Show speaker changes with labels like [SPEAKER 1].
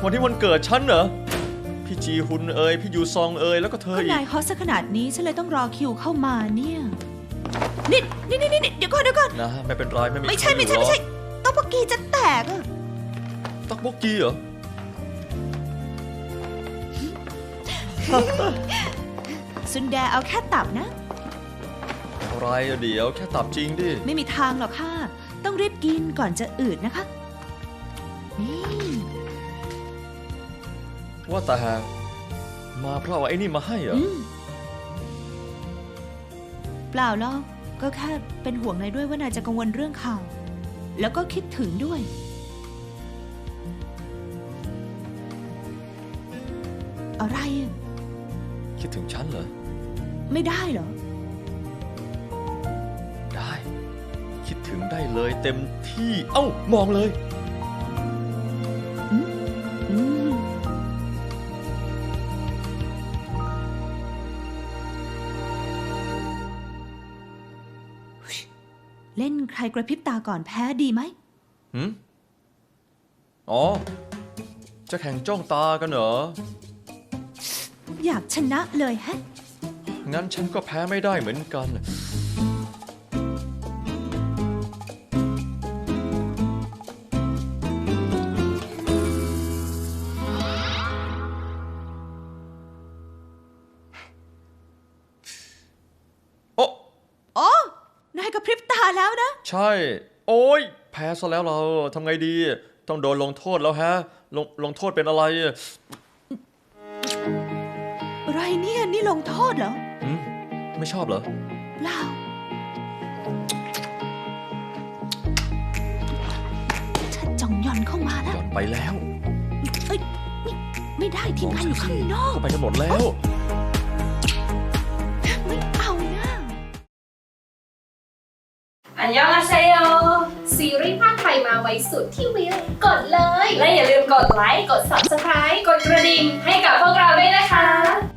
[SPEAKER 1] วันที่วันเกิดฉันเหรอพี่จีฮุนเอ๋ยพี่ยูซองเอ๋ยแล้วก็เธอ
[SPEAKER 2] ก็
[SPEAKER 1] อีก
[SPEAKER 2] นายฮอตซะขนาดนี้ฉันเลยต้องรอคิวเข้ามาเนี่ยนี่เดี๋ยวก่อน
[SPEAKER 1] นะไม่เป็นไรไม่มี
[SPEAKER 2] ไม่ใช่ต้องปกกีจะแตกอะ
[SPEAKER 1] ตักบกกีเหรอ
[SPEAKER 2] ซุนแดเอาแค่ตับนะ
[SPEAKER 1] อะไรอะเดี๋ยวแค่ตับจริงดิ
[SPEAKER 2] ไม่มีทางหรอกค่ะต้องรีบกินก่อนจะอืดนะคะนี่
[SPEAKER 1] ว่าแต่มาเพราะว่าไอ้นี่มาให้เหรอ
[SPEAKER 2] เปล่าหรอกก็แค่เป็นห่วงนายด้วยว่านายจะกังวลเรื่องข่าว แล้วก็คิดถึงด้วยอะไรอะ
[SPEAKER 1] คิดถึงฉันเหรอ
[SPEAKER 2] ไม่ได้เหรอ
[SPEAKER 1] ได้ คิดถึงได้เลยเต็มที่เอ้ามองเลย
[SPEAKER 2] อืมเล่นใครกระพริบตาก่อนแพ้ดีไหม
[SPEAKER 1] อ๋อจะแข่งจ้องตากันเหรอ
[SPEAKER 2] อยากชนะเลยฮะ
[SPEAKER 1] งั้นฉันก็แพ้ไม่ได้เหมือนกันโอ้
[SPEAKER 2] โอ้นายกระพริบตาแล้วนะ
[SPEAKER 1] ใช่ โอ้ยแพ้ซะแล้วเราทำไงดี ต้องโดนลงโทษแล้วฮะลงโทษเป็นอะไร
[SPEAKER 2] อะไรเนี่ยนี่ลงโทษเหรอ
[SPEAKER 1] ไม่ชอบเหรอ
[SPEAKER 2] เปล่าฉันจ่องหย่อนเข้ามาแล้ว
[SPEAKER 1] หย่อนไปแล้ว
[SPEAKER 2] เอ้ยนี่ไม่ได้ทีมงานอยู่ข้างนอก
[SPEAKER 1] เข้าไปกันหมดแล้ว
[SPEAKER 2] ไม่เอานะ
[SPEAKER 3] อันยองอาเซโยซีรีส์ภาคไทยมาไว้สุดที่วิวกดเลย และอย่าลืมกดไลค์ กด Subscribe กดกระดิ่งให้กับพวกเราด้วยนะคะ